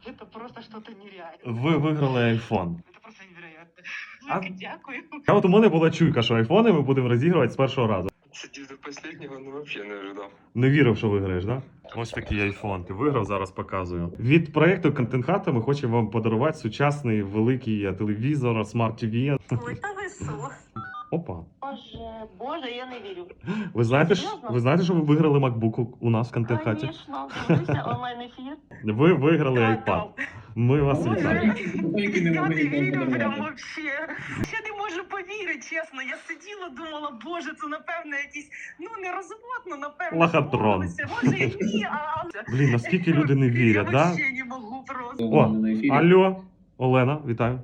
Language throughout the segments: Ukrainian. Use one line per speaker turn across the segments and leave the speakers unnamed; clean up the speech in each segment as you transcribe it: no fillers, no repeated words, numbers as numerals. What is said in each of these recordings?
Это просто что-то нереальное.
Ви виграли iPhone.
Это просто невероятно.
А-
Велике дякую.
А от у мене була чуйка, що айфони ми будемо розігрувати з першого разу.
Сидів до последнего, ну вообще не ожидав.
Не вірив, що виграєш, так? Да? Ось такий айфон. Ти виграв, зараз показую. Від проєкту Контент Хата ми хочемо вам подарувати сучасний великий телевізор, смарт ТВ.
Ой, та ви що?
Опа.
Боже, я не вірю.
Ви знаєте,
Серйозно?
що ви виграли MacBook у нас в Контент Хаті?
Звісно, дивлюся онлайн-ефір.
Ви виграли iPad. Ми вас
Боже,
вітаємо.
я не вірю прям вообще. Я не можу повірити, чесно. Я сиділа, думала, боже, це напевно якісь, ну не розводно, напевно.
Лохотрон.
домовилися. Може і ні, а...
Блін, наскільки люди не вірять,
Я
да?
вообще не можу просто.
О, алло, Олена, вітаю.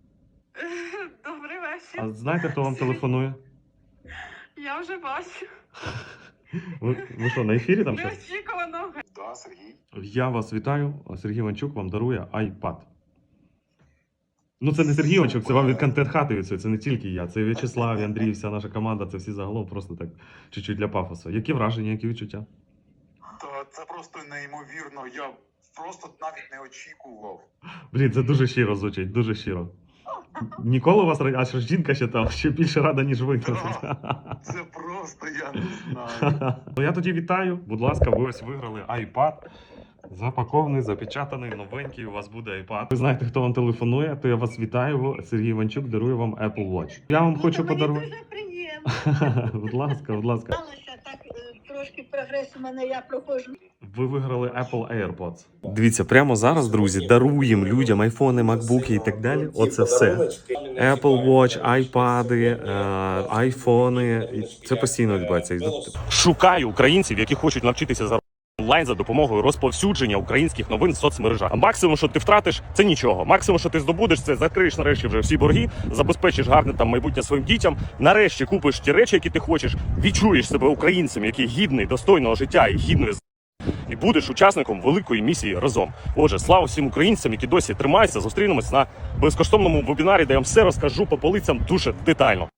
Добрий вечір.
А знаєте, хто вам телефонує?
Я вже бачу.
Ви що, на ефірі там щось?
Неочікувано.
Да, Сергій.
Я вас вітаю. Сергій Іванчук вам дарує iPad. Ну це не Сергій Іванчук, це вам від Контент Хати від цього. Це не тільки я. Це і В'ячеслав, і Андрій, вся наша команда, це всі загалом просто так чуть-чуть для пафосу. Які враження, які відчуття?
Та це просто неймовірно. Я просто навіть не очікував.
Блін, це дуже щиро звучить, дуже щиро. Ніколи у вас аж жінка ще там, ще більше рада, ніж ви.
Це просто я не знаю.
Ну я тоді вітаю. Будь ласка, ви ось виграли iPad. Запакований, запечатаний, новенький, у вас буде iPad. Ви знаєте, хто вам телефонує, то я вас вітаю. Сергій Іванчук дарує вам Apple Watch. Я вам хочу подарувати.
Дуже приємно.
Будь ласка, будь ласка.
Сталося так трошки прогрес у мене, я проходжу.
Ви виграли Apple AirPods. Дивіться, прямо зараз, друзі, даруємо людям айфони, макбуки і так далі. Оце все. Apple Watch, айпади, айфони. Це постійно відбувається. Шукаю українців, які хочуть навчитися за онлайн за допомогою розповсюдження українських новин в соцмережах. А максимум, що ти втратиш, це нічого. Максимум, що ти здобудеш, це закриєш нарешті вже всі борги, забезпечиш гарне там майбутнє своїм дітям. Нарешті купиш ті речі, які ти хочеш, відчуєш себе українцем, який гідний достойного життя і гідної і будеш учасником великої місії разом. Отже, слава всім українцям, які досі тримаються. Зустрінемось на безкоштовному вебінарі, де я вам все розкажу по полицям дуже детально.